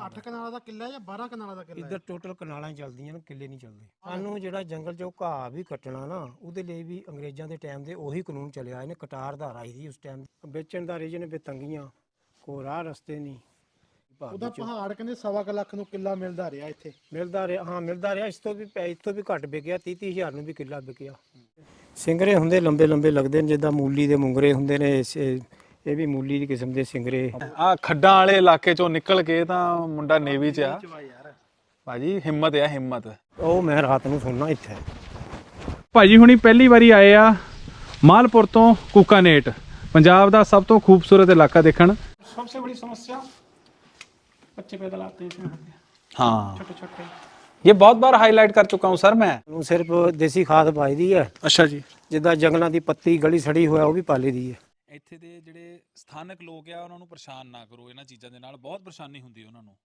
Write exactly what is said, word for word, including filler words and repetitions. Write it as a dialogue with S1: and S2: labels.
S1: ਅੱਠ ਕਨਾਲਾਂ ਦਾ ਕਿੱਲਾ ਜਾਂ ਬਾਰਾਂ ਕਨਾਲਾਂ ਦਾ ਕਿੱਲਾ?
S2: ਇੱਧਰ ਟੋਟਲ ਕਨਾਲਾਂ ਹੀ ਚੱਲਦੀਆਂ ਨੇ, ਕਿੱਲੇ ਨਹੀਂ ਚੱਲਦੇ। ਸਾਨੂੰ ਜਿਹੜਾ ਜੰਗਲ 'ਚੋਂ ਘਾਹ ਵੀ ਕੱਟਣਾ ਨਾ, ਉਹਦੇ ਲਈ ਵੀ ਅੰਗਰੇਜ਼ਾਂ ਦੇ ਟਾਈਮ ਦੇ ਉਹੀ ਕਾਨੂੰਨ ਚੱਲਿਆ। ਇਹਨੇ ਕਟਾਰ ਧਾਰਾ ਆਈ ਸੀ ਉਸ ਟਾਈਮ। ਵੇਚਣ ਦਾ ਰੀਜਨ ਵੀ ਤੰਗੀਆਂ, ਕੋਈ ਰਾਹ ਰਸਤੇ ਨਹੀਂ।
S1: ਉਹਦਾ ਪਹਾੜ ਕਹਿੰਦੇ ਸਵਾ ਕੁ ਲੱਖ ਨੂੰ ਕਿੱਲਾ ਮਿਲਦਾ ਰਿਹਾ ਇੱਥੇ।
S2: ਮਿਲਦਾ ਰਿਹਾ, ਹਾਂ ਮਿਲਦਾ ਰਿਹਾ। ਇਸ ਤੋਂ ਵੀ ਪੈ ਇਸ ਤੋਂ ਵੀ ਘੱਟ ਵਿਕਿਆ, ਤੀਹ ਤੀਹ ਹਜ਼ਾਰ ਨੂੰ ਵੀ ਕਿੱਲਾ ਵਿਕਿਆ। ਸਿੰਗਰੇ ਹੁੰਦੇ ਲੰਬੇ ਲੰਬੇ ਲੱਗਦੇ ਨੇ, ਜਿੱਦਾਂ ਮੂਲੀ ਦੇ ਮੁੰਗਰੇ ਹੁੰਦੇ ਨੇ, ਇਹ ਵੀ ਮੂਲੀ ਦੀ ਕਿਸਮ ਦੇ ਸਿੰਗਰੇ।
S3: ਆ ਖੱਡਾਂ ਵਾਲੇ ਇਲਾਕੇ ਚੋਂ ਨਿਕਲ ਕੇ ਤਾਂ ਮੁੰਡਾ ਨੇਵੀ 'ਚ ਆ ਭਾਜੀ। ਹਿੰਮਤ ਆ ਹਿੰਮਤ।
S2: ਉਹ ਮੈਂ ਰਾਤ ਨੂੰ ਸੁਣਨਾ ਇੱਥੇ।
S3: ਭਾਜੀ ਹੁਣੀ ਪਹਿਲੀ ਵਾਰੀ ਆਏ ਆ ਮਾਲਪੁਰ ਤੋਂ ਕੂਕਾਨੇਟ, ਪੰਜਾਬ ਦਾ ਸਭ ਤੋਂ ਖੂਬਸੂਰਤ ਇਲਾਕਾ ਦੇਖਣ।
S2: ਸਭ ਤੋਂ ਬੜੀ ਸਮੱਸਿਆ बच्चे पैदल आते हैं इसमें,
S3: हाँ
S2: छोटे छोटे।
S3: ये बहुत बार हाईलाइट कर चुका हूँ सर मैं।
S2: सिर्फ देसी खाद पाई दी है।
S3: अच्छा जी।
S2: जिद्दां जंगलों की पत्ती गली सड़ी होया वो भी पाली दी है।
S4: ਇੱਥੇ ਦੇ ਜਿਹੜੇ ਸਥਾਨਕ ਲੋਕ ਆ ਉਹਨਾਂ ਨੂੰ ਪਰੇਸ਼ਾਨ ਨਾ ਕਰੋ, ਇਹਨਾਂ ਚੀਜ਼ਾਂ ਦੇ ਨਾਲ ਬਹੁਤ ਪਰੇਸ਼ਾਨੀ ਹੁੰਦੀ ਹੈ ਉਹਨਾਂ ਨੂੰ।